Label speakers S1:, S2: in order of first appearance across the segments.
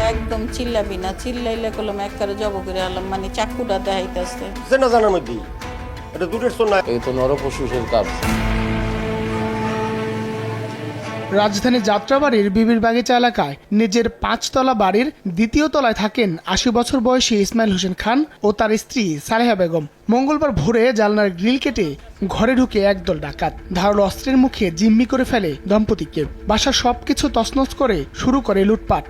S1: একদম চিল্লাবি না, চিল্লাইলে কলম একবারে জব করে আলাম, মানে চাকুটা দেখাইতেছে।
S2: চেনা জানার মধ্যে এটা দূরের না।
S3: এই তো নরপশুষের কাজ।
S4: রাজধানী যাত্রাবাড়ির বিবির বাগিচা এলাকায় নিজের 5 তলা বাড়ির 2য় তলায় থাকেন 80 বছর বয়সী ইসমাইল হোসেন খান ও তার স্ত্রী সালেহা বেগম। মঙ্গলবার ভোরে জানলার গ্রিল কেটে ঘরে ঢুকে একদল ডাকাত ধারালো অস্ত্রের মুখে জিম্মি করে ফেলে দম্পতিকে। বাসার সবকিছু তছনছ করে শুরু করে লুটপাট।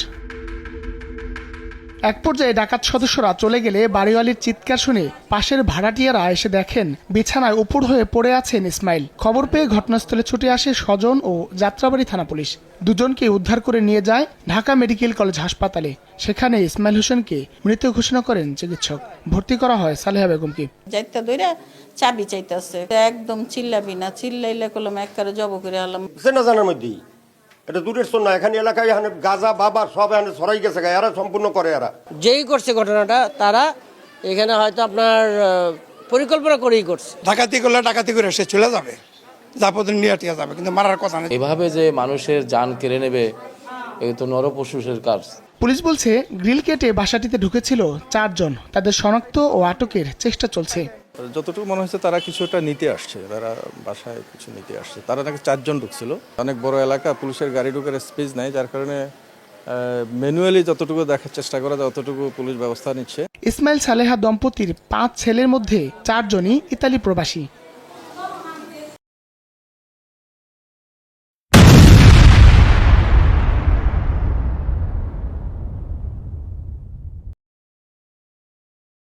S4: এক পর্যায়ে ডাকাত সদস্যরা চলে গেলে বাড়িওয়ালির চিৎকার শুনে পাশের ভাড়াটিয়ারা এসে দেখেন বিছানায় উপর হয়ে পড়ে আছেন ইসমাইল। খবর পেয়ে ঘটনাস্থলে ছুটে আসে স্বজন ও যাত্রাবাড়ি থানা পুলিশ। দুজনকে উদ্ধার করে নিয়ে যায় ঢাকা মেডিকেল কলেজ হাসপাতালে। সেখানে ইসমাইল হোসেনকে মৃত ঘোষণা করেন চিকিৎসক। ভর্তি করা হয় সালেহা বেগমকে।
S1: যাইতে দইরা চাবি চাইতেছে, একদম চিল্লাবি না, চিল্লাইলে কলম একবারে জব করে আলাম।
S2: চেনা জানার মধ্যে এটা দূরের না। এখানে এলাকায় এখানে গাজা বাবা সব এখানে ছড়াই গেছে, এরা সম্পূর্ণ করে। এরা
S5: যেই করছে ঘটনাটা তারা এখানে হয়তো আপনার পরিকল্পনা করেই করছে।
S6: ডাকাতি করলে ডাকাতি করে সে চলে যাবে, যাপদ নিয়ে যাবে, কিন্তু মারার কথা নেই।
S3: এভাবে যে মানুষের জান কেড়ে নেবে, এই তো নরপশুষের কাজ।
S4: পুলিশ বলছে গ্রিল কেটে বাসাটিতে ঢুকেছিল 4 জন। তাদের শনাক্ত ও আটকের চেষ্টা চলছে।
S7: যতটুকু মনে হচ্ছে তারা কিছুটা নিতে আসছে, তারা বাসায় কিছু নিতে আসছে। তারা নাকি 4 জন ঢুকছিল। অনেক বড় এলাকা, পুলিশের গাড়ি ঢুকার স্পেস নাই, যার কারণে ম্যানুয়ালি যতটুকু দেখার চেষ্টা করা যায় ততটুকু পুলিশ ব্যবস্থা নিচ্ছে।
S4: ইসমাইল সালেহা দম্পতির 5 ছেলের মধ্যে 4 জনই ইতালি প্রবাসী।